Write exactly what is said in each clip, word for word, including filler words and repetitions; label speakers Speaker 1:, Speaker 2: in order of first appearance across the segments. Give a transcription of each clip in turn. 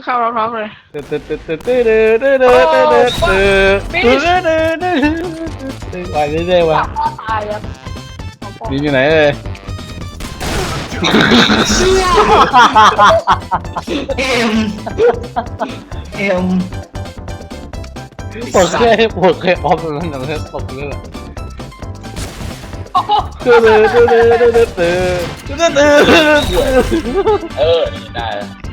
Speaker 1: เข้าล็อกๆเลย
Speaker 2: ตึ๊ดตึ๊ดตึ๊ดตึ๊ดตึ๊ดตึ๊ดตึ๊ดตึ๊ดตึ๊ดตึ๊ดตึ๊ดตึ๊ดตึ๊ดตึ๊ดไปเรื่อยๆว่ะ
Speaker 1: ตายครับ
Speaker 2: นี่อยู่ไหนเอ่ย
Speaker 3: เอ็มเอ็ม
Speaker 2: ปวดเคยปวดเคยออฟแล้วนั่นแหละตกเลยแหละตึ๊ดตึ๊ดตึ๊ดตึ๊ดตึ๊ดตึ๊ดตึ๊ดตึ๊ด
Speaker 4: เออนี่ได้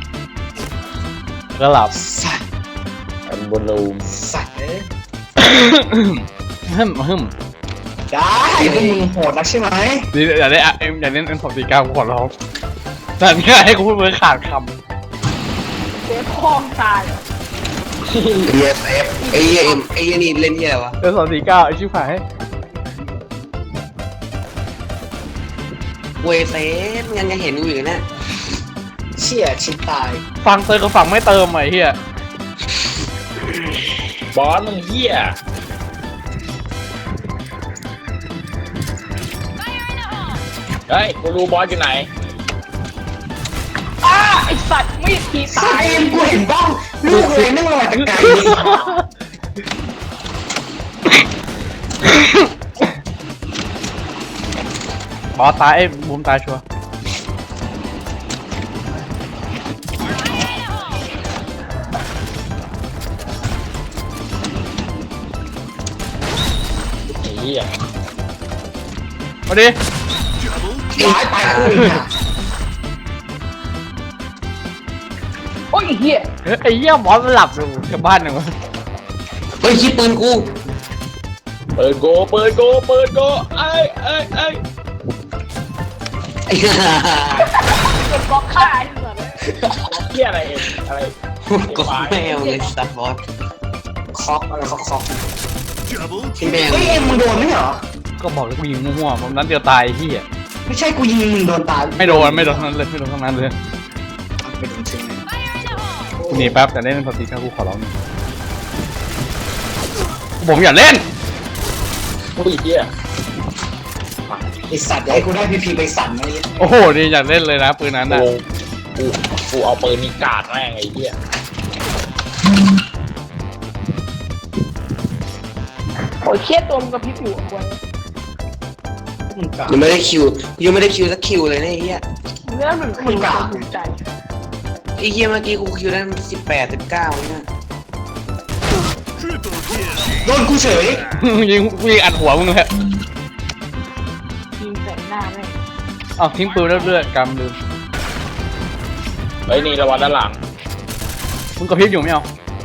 Speaker 2: ก็หลับ
Speaker 3: สัตว์
Speaker 4: อันบนรูม
Speaker 3: สัตว์เอ้ย
Speaker 2: ฮึมฮึม
Speaker 3: ได้พวกมึงโหดนักใช่ไหม
Speaker 2: นี่อย่าได้เอ็มอย่าเล่นเอ็มสองสี่เก้าขอร้องนั่นง่ายให้กูพูดเหมือนขาดค
Speaker 1: เสียคองตาย
Speaker 3: เอฟเอฟไอ้เอ็มไอ้นี่เล่นที่อะไรวะ
Speaker 2: ำเอ็มสองสี่เก้าไอชิบหาย
Speaker 3: เวเซฟยังจะเห็นอยู่นะเชี่ยชิบตาย
Speaker 2: ฟังเติมกับฝั่งไม่เติมไอ้เหี้ย
Speaker 4: บอสมึงเหี้ยเฮ้ยกูรู้บอสอยู่ไหน
Speaker 1: อ้าไอสัตว์มีดที
Speaker 3: ตา
Speaker 1: ตาย ย
Speaker 3: เอ็มกูเห็นบ้างลูกเลยนั่งรอตะไคร้
Speaker 2: บอสตายไอ้บูมตายชัวร์
Speaker 4: ไอ้เหี้ย
Speaker 2: มาดิ
Speaker 3: ย้ายไปคู่เนี่ย
Speaker 1: โอ้ยเหี้ย
Speaker 2: ไอ้เหี้ยบอสมันหลับอยู่กับบ้านหนึ่งวะ
Speaker 3: เฮ้ยคิดปืนกู
Speaker 4: เปิดโกเปิดโกเปิดโกไอ้ไอ้ไอ้
Speaker 3: ไอ้ห่า
Speaker 1: เก็บบล็อกฆ่าไอ้สัตว์
Speaker 4: เหี้ยอะไรเอ็มอะไร
Speaker 3: ก็แมวเลยสัตว์บอสคอกอะไรคอกคอกที่แมวเฮ้ยเอ็มมึงโดนไหมเหรอ
Speaker 2: ก็บอกแล้วกูยิงมั่วๆมันนั้นเดียวตายไอ้เหี้ย
Speaker 3: ไม่ใช่กูยิงมึงโดนตาย
Speaker 2: ไม่โดนไม่โดนทั้งนั้นเลยไม่โดนทั้งนั้นเลย
Speaker 3: ไม่โดนใช่ไหม
Speaker 2: กูหนีแป๊บแต่เล่นเป็นสติครับกูขอร้องหน่อยผมอย่าเล่น
Speaker 4: ผู้หญิงเหี้ย
Speaker 3: ไอสัตว์อย่าให้กูได้พีพีไปสั่นนะเนี่ย
Speaker 2: โอ้โหนี่อยากเล่นเลยนะปืนนั้น
Speaker 4: กู
Speaker 2: อ่ะ
Speaker 4: กูกูเอาปืนนี่กาดแม่งไอ้เหี้ย
Speaker 1: โอ้ยเครียดตัวมันกระพริบอยู่อ่ะควร
Speaker 3: ยังไม่ได้คิวยังไม่ได้คิวสักคิวเลยนะไอ้เหี้ย
Speaker 1: เนื้อหนึ่งคนภูมิใจ
Speaker 3: ไอ้เหี้ยเมื่อกี้กูคิวได้สิบแปดสิบเก้าเนี่ยโดนกูเฉย
Speaker 2: ยิงกูยิงอัดหัวมึงเลย
Speaker 1: ยิงใส่หน้าแม่ง
Speaker 2: อ้าวทิ้งปืนเรื่อยๆกำลืม
Speaker 4: เฮ้ยนี่ระวังด้านหลัง
Speaker 2: มึงกระพริบอยู่ไม่เอา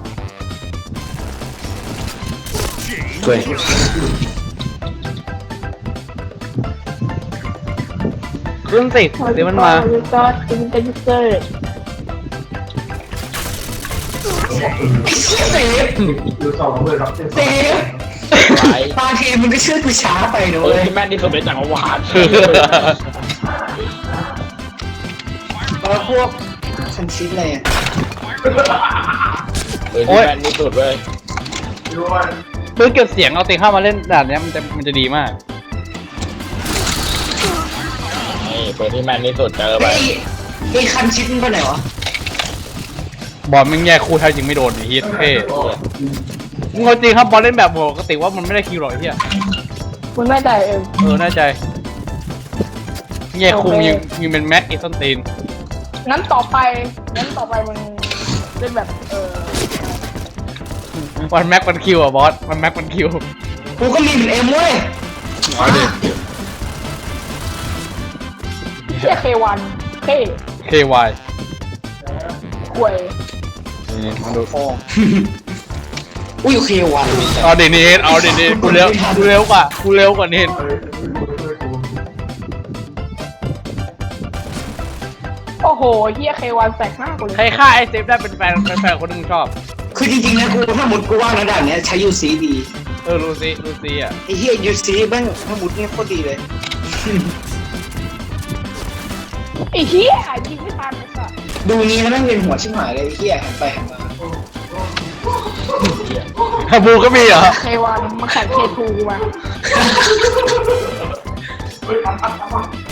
Speaker 3: ช่วย
Speaker 2: ขึ้นสิเดี๋ยวมันมา
Speaker 1: ก็เป็นเป็นเซอร์
Speaker 3: เซฟเซฟ
Speaker 4: ไอ้
Speaker 3: บางทีมึงก็เชื่อกูช้าไปนะ
Speaker 4: ปื
Speaker 3: เว้
Speaker 4: น
Speaker 3: ย
Speaker 4: ที่แม่นที่สุดในจักรวาล
Speaker 3: แล้วพวกคันชิดอะไรอ่ะ
Speaker 4: ปืนที่แม่นที่สุดเว้ย
Speaker 2: ปืนเก็บเสียงเอาเต็งเข้ามาเล่นด่านเนี้ยมันจะมันจะดีมาก
Speaker 4: นี่ปืนที่แม่นที่สุดเจอไป
Speaker 3: ไอ้ไอ้คันชิดมันไปไหนวะ
Speaker 2: บอลมึงแย่คู่แท้จริงไม่โดนไอ้เฮียเท่มึงเอาจริงครับบอลเล่นแบบปกติว่ามันไม่ได้คิวหรอกไอ้เฮีย
Speaker 1: คุณแม่ใจเอง
Speaker 2: เออแน่ใจแย่คู่ยิงยิงเป็นแม็กอีสันตีน
Speaker 1: งั้นต่อไปงั้นต่อไปมึงเล่นแบบเออ
Speaker 2: วันแม็กมันคิวอ่ะบอสมันแม็กมันคิว
Speaker 3: กูก็มีเหมือนเอ็มเว้ย
Speaker 2: เอาดิ
Speaker 1: เชี่ยเควันเค
Speaker 2: เค วาย
Speaker 1: ควย
Speaker 2: นี่มาดู
Speaker 3: อุ้ยโอเควัน
Speaker 2: เอาดิเนทเอาดิเนทกูเร็วกูเร็วกว่ากูเร็วกว่าเนท
Speaker 1: โอ้โหเฮียเควันแตกหน้ากูเลย
Speaker 2: ใครฆ่าไอเซฟได้เป็นแฟนเป็นแฟนคนที่มึงชอบ
Speaker 3: คือจริงๆนะกูถ้าหมุดกูว่างระดับเนี้ยใช้ยูซีดี
Speaker 2: เออลูซี่ลูซี่อ่ะ
Speaker 3: ไอ้เหี้ยยูซีบ้างถ้าหมุดเนี่ยโคตรดีเลย
Speaker 1: ไอ้เฮียยิงไม่ทันไอ้สัส
Speaker 3: ดูนี้แล้วแม่งเวียนหัวชิบหายเลยไอ้เหี้ยหันไปหันมา
Speaker 2: ฮาบูก็มีเหรอ
Speaker 1: เควันมาแข่งเคทูมา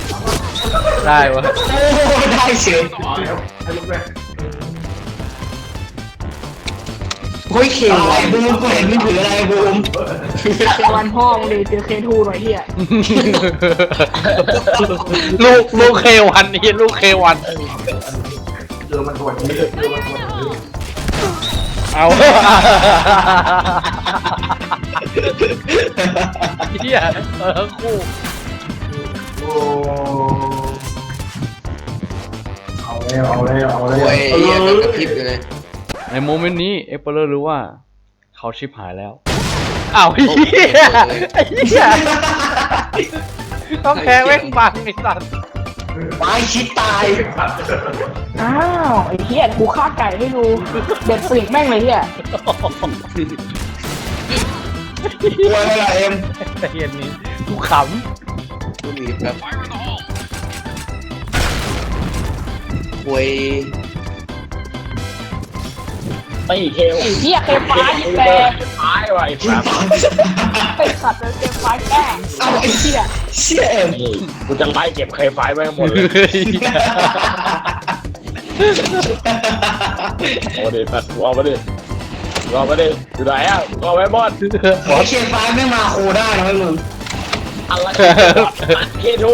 Speaker 2: ได้วะ
Speaker 3: โอ้ได้เฉยเฮ้ยเข่งว่ะบูมกูเห็นมึงถืออะไรบูม
Speaker 1: เจอวันพ่อมึงดิเจอเคทูหน่อยเฮีย
Speaker 2: ลูกลูกเควันนี่ลูกเควันเอาเฮียเออคู่
Speaker 5: เอาแล้วเอาแล้วเอาแล้ว
Speaker 3: โอ้ยเหี้ยกระพริบอยู่เลย
Speaker 2: ในโมเมนต์นี้เอเปอร์รู้ว่าเขาชิบหายแล้วอ้าวเฮียไอ้เฮียต้องแพ้แม่งบังไอ้สัตว์
Speaker 3: ตายคิดตาย
Speaker 1: อ้าวไอ้เฮียกูฆ่าไก่ให้ดูเด็ดปีกแม่งเลยเฮีย
Speaker 3: กลัวอะไรล่ะเอ็ม
Speaker 2: แต่เฮียนี้กูข
Speaker 3: ดูมีแบบโวย
Speaker 4: ไม่เคล
Speaker 1: ไอ้เฮียเคฟ้ายิงแตก
Speaker 4: ตายว่ะไอ้สัส
Speaker 1: ไปสัตว์เลยเคฟ้าแก้เอาไอ้เฮีย
Speaker 3: เชี่ยเอ็ม
Speaker 4: นี่กูจะไล่เก็บเคยไฟไว้หมดเลย
Speaker 2: ำ
Speaker 4: โอ้ดิสัตว์กูเอามาดิกูเอามาดิอยู่ไหนอ่ะกูเอาไว้บอล
Speaker 3: ขอเชียร์ฟ้าไม่มาโคได้นะมึง
Speaker 4: อะไรเคทู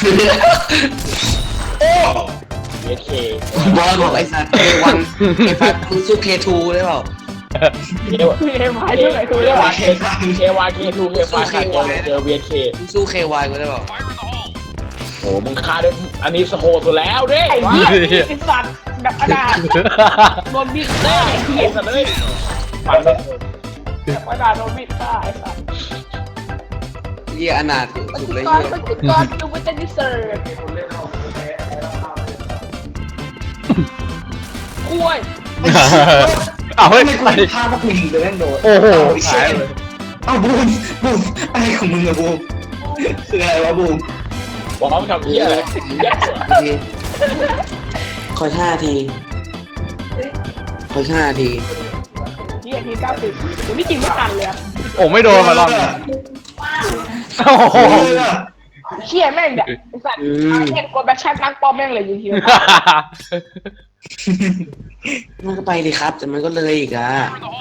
Speaker 3: โอ้
Speaker 4: เคเค
Speaker 3: บอลบอกไอ้สัตว์เควันเคฟ้ามึงสู้เคทูได้เปล่า
Speaker 4: เคว
Speaker 1: เคฟ้าเท่าไหร่กู
Speaker 4: เค
Speaker 1: ได้
Speaker 4: วา
Speaker 1: ปะ
Speaker 4: เคเควาเคทูเคไฟขาดเจอเวียเค
Speaker 3: มึงสู้เควายกูได้เปล่า
Speaker 4: โอ้มึงฆ่าได้อันนี้สโหดสุดแล้วดิ
Speaker 1: ไอ้เฮียไอ้สัตว์แบบกระดาษโดนบิดได้ไอ้เฮี
Speaker 4: ไอ้
Speaker 1: ย
Speaker 4: สัตว์เลยฟันเลย
Speaker 1: แบบกระดาษโดนบิดได้ไอ้สัตว์
Speaker 3: เยี่ยอนาถ
Speaker 1: ป
Speaker 3: สุด
Speaker 1: ฏิ
Speaker 3: เลย
Speaker 1: ก
Speaker 3: เยี่
Speaker 1: ร
Speaker 3: ย
Speaker 1: ปฏิกรดูมันจะดิเซอร์กล้วย
Speaker 2: เอาเฮ้ย
Speaker 3: ไม่กูเห็นภาพว่ากูยิงเลยแม่งโดน
Speaker 2: โอ้โห
Speaker 3: เชี่ยเอ้าบูมบูมอะไรของมึงอะบูมคืออะไรวะบูม
Speaker 4: บอกเขาทำเหี้ยอะไรแย่สุด
Speaker 3: คอยห้าทีคอยห้าที
Speaker 1: เฮียทีเก้าสิบเดี๋ยวนี่จริงไม่ทันเลยอะ
Speaker 2: โอ้ไม่โดนมารอบนี้โอ้โห
Speaker 1: เชี่ยแม่งเด็กไอ้สัตว์เห็นกดแบ็คแชทนักปอมแม่งเลยยิงที
Speaker 3: มันก็ไปดิครับ แต่มันก็เลยอีกอะ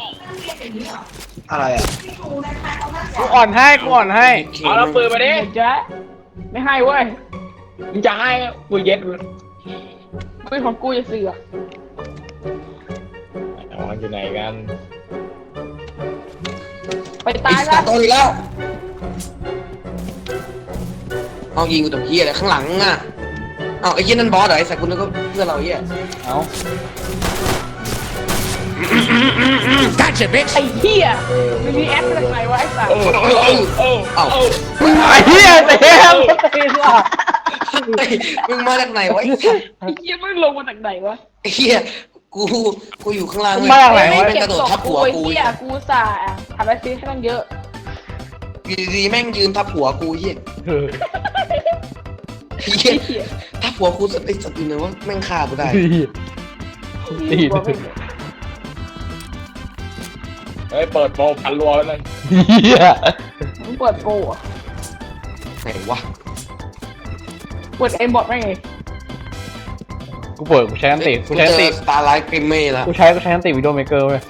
Speaker 3: อะไรอ่ะ
Speaker 2: กูอ่อนให้กูอ่อนให้
Speaker 4: เอาแล้วปืนมาดิ
Speaker 1: เจ๊ไม่ให้เว้ย
Speaker 4: มึงจะให้กูเย็ด
Speaker 1: ปืนของกูจะเสือก
Speaker 4: เอามันอยู่ไหนกัน
Speaker 1: ไปตาย
Speaker 3: ไอ้
Speaker 1: แล้
Speaker 3: สัตว์โตอีกแล้วเอายิงกูตรงเฮียอะไรข้างหลังอ่ะเอาไอ้เฮียนั่นบอสเหรอไอ้สัตว์กูนึกว่าเพื่อนเราเฮีย
Speaker 2: เอา
Speaker 1: ไอ้เหี้ยมันมีแอปอะไรวะไอ้สัตว์
Speaker 4: โอ้โอ้โอ้โอ้
Speaker 2: ไอ้เหี้ยเต็มเต็มว่ะ
Speaker 3: เฮ้ยมึงมาจากไหนวะไอ้สัตว์
Speaker 1: ไอ้เหี้ยมันลงมาจากไหนวะ
Speaker 3: ไอ้เฮียกูกูอยู่ข้างล่าง
Speaker 2: มาจากไหน
Speaker 3: แม่
Speaker 2: วะ
Speaker 3: งกระโดดทับหัว
Speaker 1: ไอ้
Speaker 3: กู
Speaker 1: เหี้ยกูสาทำอะไรซีให้ต้องเยอะ
Speaker 3: อยู่ดีๆแม่งยืนทับหัวกูเฮีย
Speaker 2: เออ
Speaker 3: เฮียทับหัวกูสัตว์ไอ้สัตว์อยู่ไหนวะแม่งฆ่ากูได้
Speaker 2: ตีด
Speaker 4: เฮ้ยเปิดโปรพันรัวแล้วนั่น
Speaker 2: เหี้ย
Speaker 1: มึงเปิดโปรอะ
Speaker 3: ไหนวะ
Speaker 1: เปิดเอ็มบอทไม่ไง
Speaker 2: กูเปิดกูใช้อันติกูใช้อันติ
Speaker 3: สตาร์ไลท์กริมเม่ละ
Speaker 2: กูใช้กูใช้อันติวิดีโอเมเกอร์เว้ย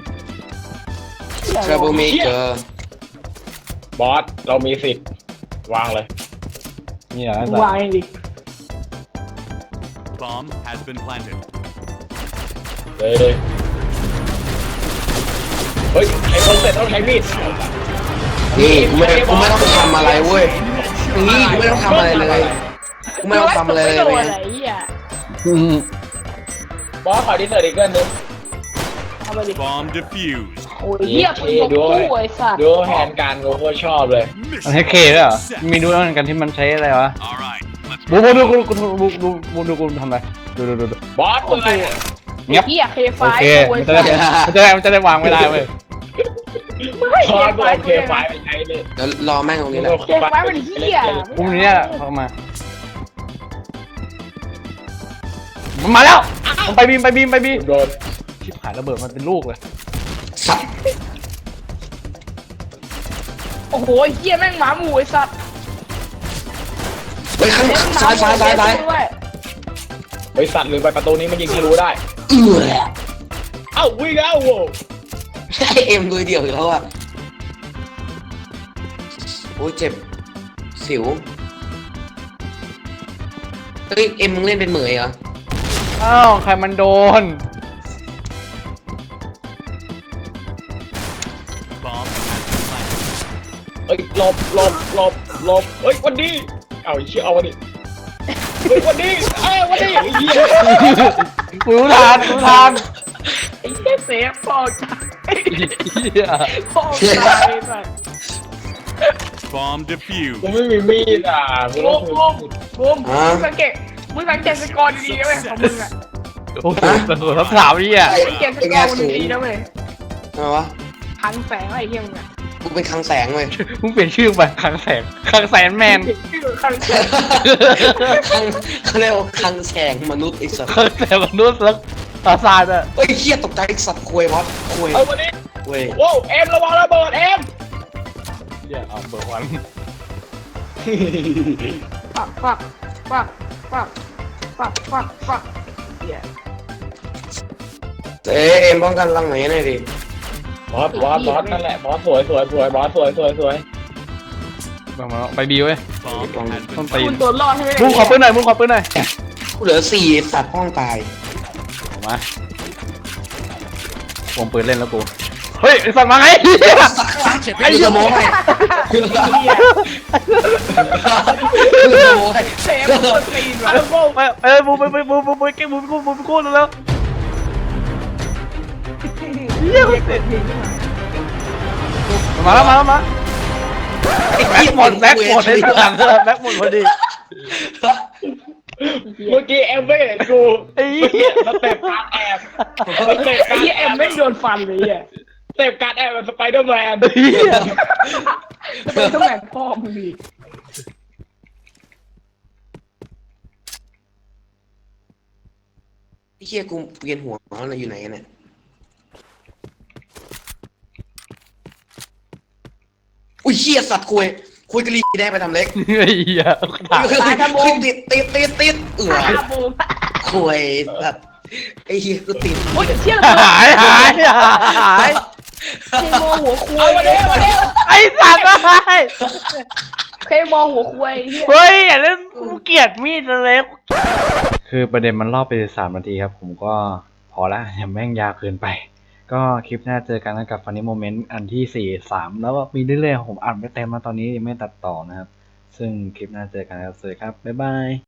Speaker 3: ทรัเบิลเมเกอร์
Speaker 4: บอสเรามีสิทธิ์วางเลย
Speaker 2: นี่อ่ะ
Speaker 1: มึงวางเองดิ
Speaker 6: Bomb has been planted.
Speaker 4: เฮ้ยเฮ้ยไอ้คนเสร็จต้องใช้มีด
Speaker 3: นี่กูไม่กูไม่ต้องทำอะไรเว้ยนี่กูไม่ต้องทำอะไรเลยกูไม่ต้องทำอะไรเลย
Speaker 1: ไม่โดน
Speaker 3: เว้ย
Speaker 1: อะไรไอ้เหี้ย
Speaker 2: อืม
Speaker 4: บอสขอดิเซอร์อีกเกินนึง
Speaker 1: เอาไปดิ
Speaker 6: Bomb defused.
Speaker 1: โอ้ยเหี้ยปืนของกูไอ้สัตว์
Speaker 4: ดูแฮนด์การกูโคตรชอบเลย
Speaker 2: มันให้เคด้วยเหรอมีดูแล้วเหมือนกันที่มันใช้อะไรวะ
Speaker 6: All right, let's
Speaker 2: บูบูดูกูกูดูดูดูดูกูทำอะไรดูดูดูดู
Speaker 4: บอสปืนอะไรเนี่ย
Speaker 2: เงียบ
Speaker 1: เหี้ยเคไฟ
Speaker 2: โอเค
Speaker 1: กูไอ้
Speaker 2: มันจะ
Speaker 1: สั
Speaker 2: ได้
Speaker 1: ตว์
Speaker 2: มันจะได้มันจะได้วางไม่ได้เว้ย
Speaker 1: ไม่
Speaker 4: บอส
Speaker 1: เค
Speaker 4: กู
Speaker 1: ไฟ
Speaker 4: เอาเคไฟไปใช้เลย
Speaker 3: เดี๋ยวรอแม่งตรงนี้แหละ
Speaker 1: เคไฟมันเหี้ย
Speaker 2: พรุ่งนี้เนี่ยเข้ามามันมาแล้วมันไปบีมไปบีมไปบีม
Speaker 4: โดน
Speaker 2: ชิบหายระเบิดมันเป็นลูกเลย
Speaker 3: สัตว์
Speaker 1: โอ้โหเหี้ยแม่งหมาหมูไอ้สัตว์
Speaker 3: ไปข้างซ้ายซ้ายซ้ายซ้าย
Speaker 4: บริษัทหรือไปประตูนี้มันยิงทะลุได้
Speaker 3: เอื้อ
Speaker 4: เอ้าวิ่งแล้วโว้
Speaker 3: ไอเอ็มลุยเดี่ยวอีกแล้วอ่ะโอ้ยเจ็บสิวเฮ้ยเอ็มมึงเล่นเป็นเหมยเหรอ
Speaker 2: อ้าวใครมันโดน
Speaker 6: Bomb has been planted.
Speaker 4: เอ้ยหลบหลบหลบหลบเอ้ยวันนี้เอาไอ้เชี่ยเอาวันนี้เฮ้ยวันนี้เอ้ยวันนี้ไอ้เหี้ย
Speaker 2: กูรู้ทานกูรู้ทาน
Speaker 1: ไอ้เหี้ยเซฟปอกจาก
Speaker 2: เหี้ย
Speaker 1: ปอกจากไอ้สัส
Speaker 6: Bomb
Speaker 4: กู
Speaker 6: defused.
Speaker 4: ไม่มีมีดอ่ะกู
Speaker 1: บู
Speaker 4: ต้อง
Speaker 1: มบูมบูมมึงสังเกตมึงสังเกตสกอร์ดีๆนะเว้ยของมึงอะ
Speaker 2: โอ้โหตำรวจทับถามนี่อ่ะ
Speaker 1: สังเกตสกอร์มึงดีๆนะเว้ย
Speaker 3: ทำไมวะ
Speaker 1: พังแสงอะไรเหี้ยมึงอะ
Speaker 3: กูเป็นคลังแสงเว้ย
Speaker 2: มึงเปลี่ยนชื่อไปคลังแสงคลังแสนแมน
Speaker 1: ชื่อพังแสง
Speaker 3: คลังเขาเรียกว่าคลังแสงมนุษย์ไอ้สัตว์
Speaker 2: คลังแสนมนุษย์แล้วตาซาดอ่ะ
Speaker 3: เฮ้ยเฮียตกใจไอ้สัตว์ควยวัดควย
Speaker 4: เอาวันนี้
Speaker 3: ควย
Speaker 4: โว้วเอ็มระวังระเบิดเอ็ม
Speaker 2: เหี้ยเอาเบอร์วัน
Speaker 1: ปักปักปักปักปักปักปักเหี้ย
Speaker 3: เอ้ยเอ็มป้องกันรังไหนหน่อยดิ
Speaker 4: บอสบอสบอสนั่นแหละบอสสวยสวยสวยบอสสวยสวยสวย
Speaker 2: มามาไปบีเว้ย
Speaker 6: Bomb has
Speaker 2: ต้น
Speaker 6: been
Speaker 2: ตี
Speaker 6: planted.
Speaker 1: คุณตัวรอดให้ได้
Speaker 2: มึงขอปืนหน่อยมึงขอปืนหน่อย
Speaker 3: กูเหลือสี่สัตว์ห้องตาย
Speaker 2: ออกมาผมปืนเล่นแล้วกูเฮ้ยไอ้สัตว์มาไง
Speaker 3: ไอ้สมองไงคือสมองไง
Speaker 1: เซฟตัวตีนว่ะ
Speaker 2: ไปไปบูไปไปบูบูไปเก็บบูไปกู้บูไปกู้แล้วเฮียเสร็จมาแล้วมาแล้วมาแบ็คหมดแบ็คหมดในหลังแบ็คหมดพอดี
Speaker 4: เมื่อกี้เอ็มไม่เห็นกู
Speaker 2: ไอ้
Speaker 4: เมื่อ
Speaker 2: เหี้
Speaker 4: กี้
Speaker 2: ย
Speaker 4: สเต็ปการแอบสเต็ป
Speaker 1: ไอ้
Speaker 4: การ
Speaker 1: เหี้ย
Speaker 4: แอ
Speaker 1: เอ็ม
Speaker 4: บ
Speaker 1: ไม่โดนฟันเลยเหี้ย
Speaker 4: สเต็ปการแอบแบบสไปเดอร์แมน
Speaker 2: เฮีย
Speaker 1: จะเป็นต้องแหวนพ่อมึงดิ
Speaker 3: ไอ้เฮียกูเวียนหัวอะไรอยู่ไหนกันเนี่ยอุ้ยเฮียสัตว์คุยคุยกะลีได้ไปทำเล็ก
Speaker 2: ไอ้เหี้ยถาม
Speaker 3: ติดติดติดติดเอือ
Speaker 1: อาบูม
Speaker 3: คุยสัตว์ไอ้เฮียกูติด
Speaker 1: โอ้ยเชี่ย
Speaker 2: หายหายหาย
Speaker 1: เคมอหัวควายเลย
Speaker 2: ไอ้สัตว์หาย
Speaker 1: เคมอหัวควายเหี้ย
Speaker 2: เฮ้ยอย่าเล่นกูเกลียดมีดเล็กคือประเด็นมันรอบไปสามนาทีครับผมก็พอละอย่าแม่งยาวเกินไป ก็คลิปหน้าเจอกันกับ Funny Moment อันที่สี่ สามแล้วก็มีเรื่อยๆผมอัดไม่เต็มมาตอนนี้ยังไม่ตัดต่อนะครับซึ่งคลิปหน้าเจอกันครับสวัสดีครับบ๊ายบาย